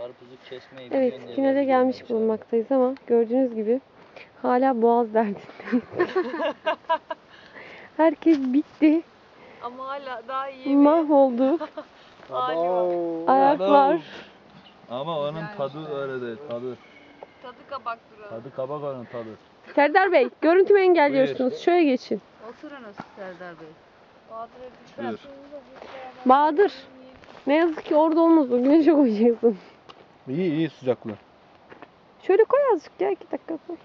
Karpuzu kesmeyi Evet, biliyorsun diye finale belki gelmiş görmemiş bulunmaktayız ama gördüğünüz gibi hala boğaz derdindeyiz. Herkes bitti. Ama hala daha iyi bir Mahvolduk. ağacı var. Ayaklar. Ama onun tadı öyle değil, tadı. Tadı kabak durağı. Tadı kabak onun tadı. Serdar Bey, görüntümü engelliyorsunuz. Şöyle geçin. Oturunuz Serdar Bey. Bahadır'a Buyur. lütfen. Bahadır, ne yazık ki orada olmaz o. Güneşe koyacaksın. İyi iyi sıcaklığı. Şöyle koy azıcık ya, 2 dakika koy.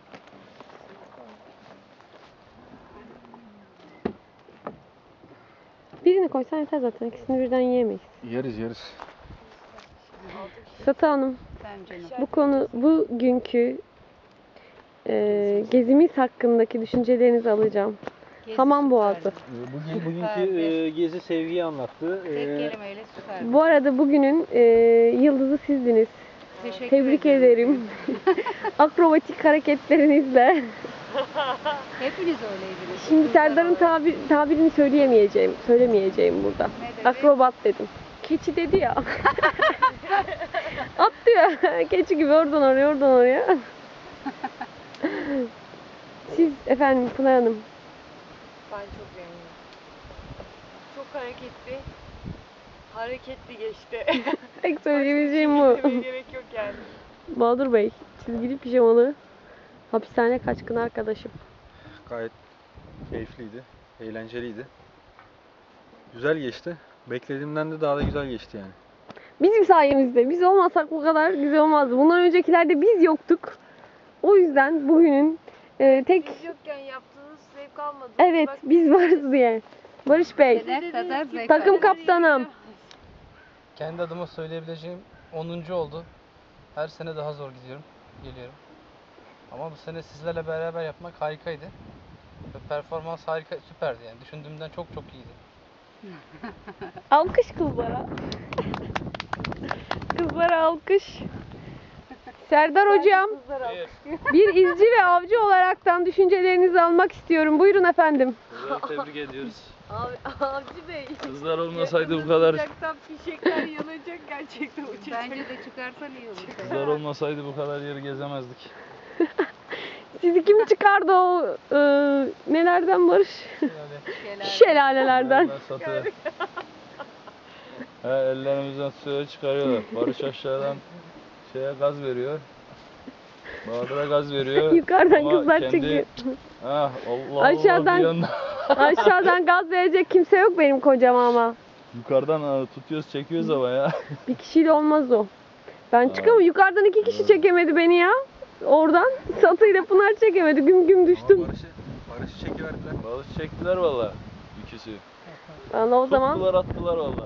Birini koysan yeter zaten. İkisini birden yiyemeyiz. Yeriz. Satı Hanım, Sen canım. bugünkü gezimiz hakkındaki düşüncelerinizi alacağım. Hamam Boğazı. Bugünkü gezi sevgiyi anlattı. Tek kelimeyle süper. Bu arada bugünün yıldızı sizdiniz. Tebrik ederim. Akrobatik hareketlerinizle. Hepiniz öyleydiniz. Şimdi Serdar'ın tabirini söylemeyeceğim burada. Ne dedi? Akrobat dedim. Keçi dedi ya. Atlıyor. Keçi gibi oradan oraya. Siz efendim Pınar Hanım. Ben çok beğendim. Çok hareketli. Hareketli geçti. Tek söyleyebileceğim bu. Söylemeye gerek yok yani. Bahadır Bey, çizgili pijamalı hapishane kaçkın arkadaşım. Gayet keyifliydi. Eğlenceliydi. Güzel geçti. Beklediğimden de daha da güzel geçti yani. Bizim sayemizde. Biz olmasak bu kadar güzel olmazdı. Bundan öncekilerde biz yoktuk. O yüzden bugünün tek... Siz yokken yaptığınız zevk almadınız. Evet, Bak, biz varız diye. Barış Bey, Ne kadar zevk takım aldım. kaptanım. Kendi adıma söyleyebileceğim 10. oldu. Her sene daha zor geliyorum. Ama bu sene sizlerle beraber yapmak harikaydı. Ve performans harika, süperdi yani. Düşündüğümden çok iyiydi. Alkış kızlara. Kızlara alkış. Serdar Hocam, bir izci ve avcı olaraktan düşüncelerinizi almak istiyorum. Buyurun efendim. Tebrik ediyoruz. Avcı Bey. Kızlar olmasaydı bu kadar, Sıcaktan fişekler yanacak gerçekten uçacak. Bence de çıkarsan iyi olur. kızlar olmasaydı bu kadar yeri gezemezdik. Sizi kim çıkardı o nelerden Barış? Şelalelerden. Satı. Ellerimizden suya çıkarıyorlar. Barış aşağıdan gaz veriyor. Bahadır'a gaz veriyor. Yukarıdan Ama kızlar kendi- çekiyor. Allah Aşağıdan- bir yandan- Aşağıdan gaz verecek kimse yok benim kocama ama. Yukarıdan tutuyoruz çekiyoruz ama ya. Bir kişiyle olmaz o. Ben çıkamam. Yukarıdan 2 kişi çekemedi beni ya. Oradan Satı ile Pınar çekemedi. Güm düştüm. Barış'ı çekiverdiler. Balık çektiler valla. İkisi. Vallahi o zaman Tuttular attılar valla.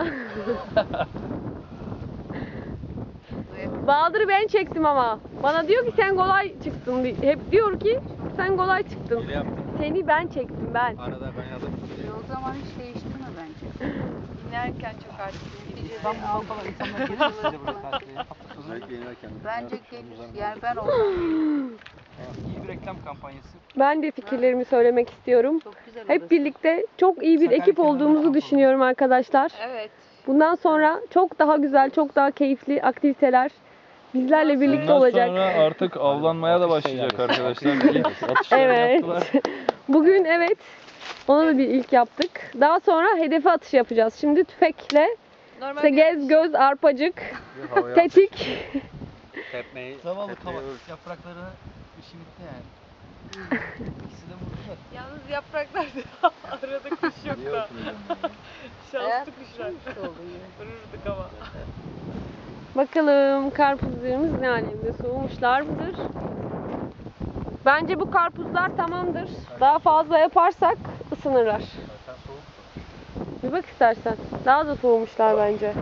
Bahadır'ı ben çektim ama. Bana diyor ki sen kolay çıktın. Hep diyor ki sen kolay çıktın. Hile yaptım. Seni ben çektim ben. Arada kaynadım. O zaman hiç değiştirme bence. İnerken çok artık. Ben falan insanlar Özellikle inerken. Bence gelir. Yani ben olsam İyi bir reklam kampanyası. Ben de fikirlerimi söylemek istiyorum. çok güzel Hep olur. birlikte çok iyi bir ekip olduğumuzu düşünüyorum arkadaşlar. Evet. Bundan sonra çok daha güzel, çok daha keyifli aktiviteler bizlerle birlikte Bundan olacak. sonra artık avlanmaya da başlayacak arkadaşlar. İlk atışları Evet. yaptılar. Bugün evet, ona da bir ilk yaptık. Daha sonra hedefe atış yapacağız. Şimdi tüfekle, işte gez, göz, arpacık, tetik. Tepmeyi. Zavallı kavak. Yapraklarını işi bitti yani. İkisi de vurdular. Yalnız yapraklarda arada kuş yok da. Şanslı kuşlar. İşte oldu yine. Vururduk ama. Bakalım karpuzlarımız ne alemde, soğumuşlar mıdır? Bence bu karpuzlar tamamdır. Daha fazla yaparsak ısınırlar. Bir bak istersen. Daha da soğumuşlar bence.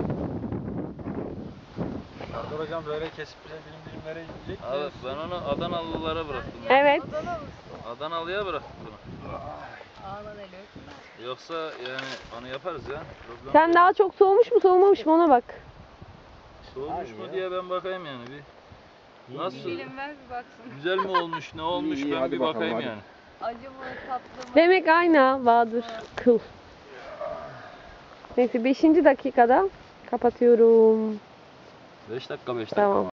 Serdar hocam böyle kesip bize dilimlere yiyecek. Abi ben onu Adanalılara bıraktım. Evet. Adanalıya bıraktım bunu. Ağlan eli öpme. Yoksa yani onu yaparız ya. Problem Sen yok. daha çok soğumuş mu soğumamış mı ona bak. Soğumuş mu diye ben bakayım yani bir. Nasıl? Dilim ver bir baksın. Güzel mi olmuş, ne olmuş İyi, ben hadi bir bakalım, bakayım hadi. yani. Acı mı tatlı mı? Demek aynı ha, Bahadır. Kıl. Neyse 5. dakikada kapatıyorum. 5 dakika 5 dakika. Tamam.